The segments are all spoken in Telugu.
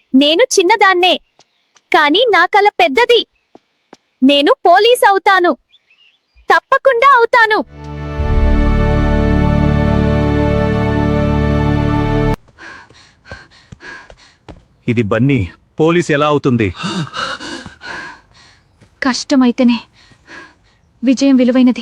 నేను చిన్నదాన్నే, కానీ నా కల పెద్దది. నేను పోలీస్ అవుతాను, తప్పకుండా అవుతాను. ఇది బన్నీ, పోలీస్ ఎలా అవుతుంది? కష్టమైతేనే విజయం విలువైనది.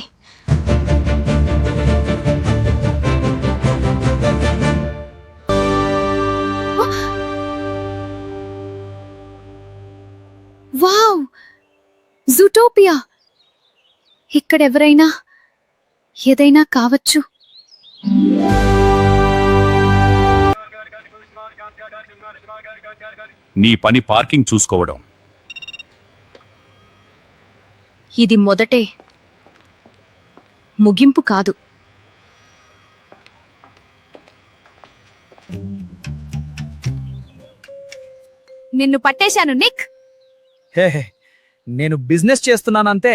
Wow, Zootopia! ఇక్కడెవరైనా ఏదైనా కావచ్చు. నీ పని పార్కింగ్ చూసుకోవడం. ఇది మొదటే, ముగింపు కాదు. నిన్ను పట్టేశాను నిక్. హే నేను బిజినెస్ చేస్తున్నానంతే.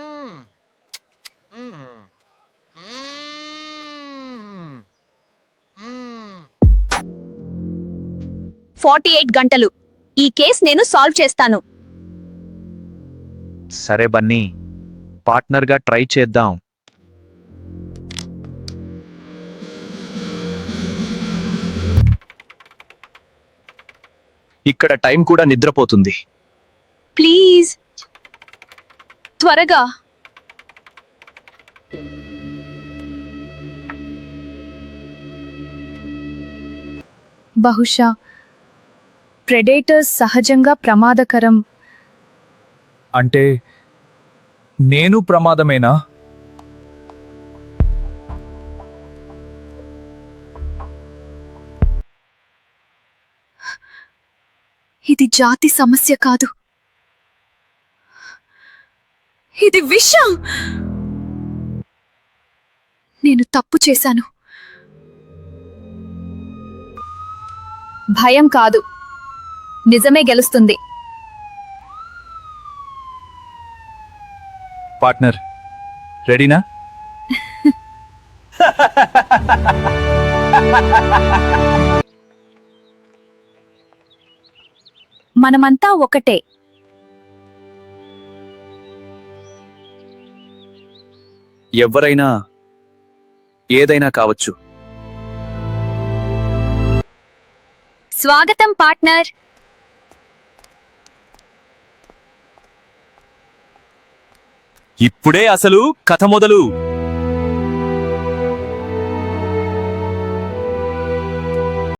48 గంటలు. ఈ కేస్ నేను సాల్వ్ చేస్తాను. సరే బన్నీ, పార్ట్నర్గా ట్రై చేద్దాం. ఇక్కడ టైం కూడా నిద్రపోతుంది. ప్లీజ్ త్వరగా. బహుశా ప్రెడేటర్స్ సహజంగా ప్రమాదకరం. అంటే నేను ప్రమాదమేనా? ఇది జాతి సమస్య కాదు, ఇది విషం. నేను తప్పు చేశాను. భయం కాదు, నిజమే గెలుస్తుంది. పార్ట్నర్, రెడీనా? మనమంతా ఒకటే. ఎవరైనా ఏదైనా కావచ్చు. స్వాగతం పార్ట్నర్. ఇప్పుడే అసలు కథ మొదలు.